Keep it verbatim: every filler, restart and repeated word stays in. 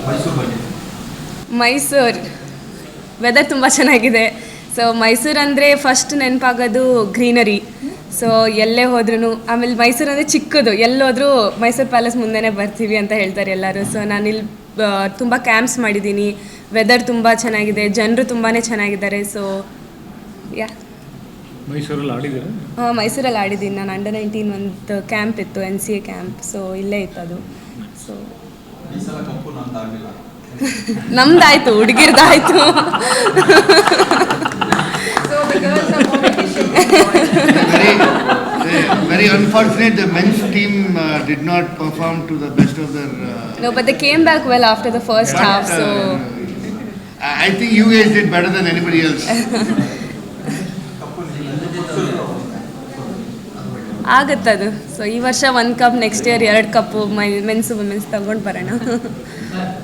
Mysuru weather ತುಂಬ ಚೆನ್ನಾಗಿದೆ. So Mysuru ಅಂದರೆ ಫಸ್ಟ್ ನೆನಪಾಗೋದು ಗ್ರೀನರಿ. ಸೊ ಎಲ್ಲೇ ಹೋದ್ರೂ, ಆಮೇಲೆ ಮೈಸೂರು ಅಂದರೆ ಚಿಕ್ಕದು, ಎಲ್ಲೋದ್ರೂ ಮೈಸೂರು ಪ್ಯಾಲೇಸ್ ಮುಂದೆನೇ ಬರ್ತೀವಿ ಅಂತ ಹೇಳ್ತಾರೆ ಎಲ್ಲರೂ. ಸೊ ನಾನಿಲ್ಲಿ ತುಂಬ ಕ್ಯಾಂಪ್ಸ್ ಮಾಡಿದ್ದೀನಿ. ವೆದರ್ ತುಂಬ ಚೆನ್ನಾಗಿದೆ, ಜನರು ತುಂಬಾ ಚೆನ್ನಾಗಿದ್ದಾರೆ. ಸೊ ಯಾ ಮೈಸೂರಲ್ಲಿ ಆಡಿದ್ದೀರಾ? ಹಾಂ, ಮೈಸೂರಲ್ಲಿ ಆಡಿದ್ದೀನಿ. ನಾನು ಅಂಡರ್ ನೈನ್ಟೀನ್ ಒಂದು ಕ್ಯಾಂಪ್ ಇತ್ತು, N C A camp. So ಇಲ್ಲೇ ಇತ್ತು ಅದು. ಸೊ ನಮ್ದಾಯ್ತು, ಹುಡುಗಿರ್ದಾಯ್ತು. Very unfortunate, the men's team uh, did not perform to the best of their. Uh, no, but they came back well after the first but, half. So uh, I think you guys did better than anybody else. ಆಗುತ್ತದು. So ಈ ವರ್ಷ ಒಂದು cup, next year ಎರಡು ಕಪ್ಪು, ಮೈ ಮೆನ್ಸು women's ತಗೊಂಡು ಬರೋಣ.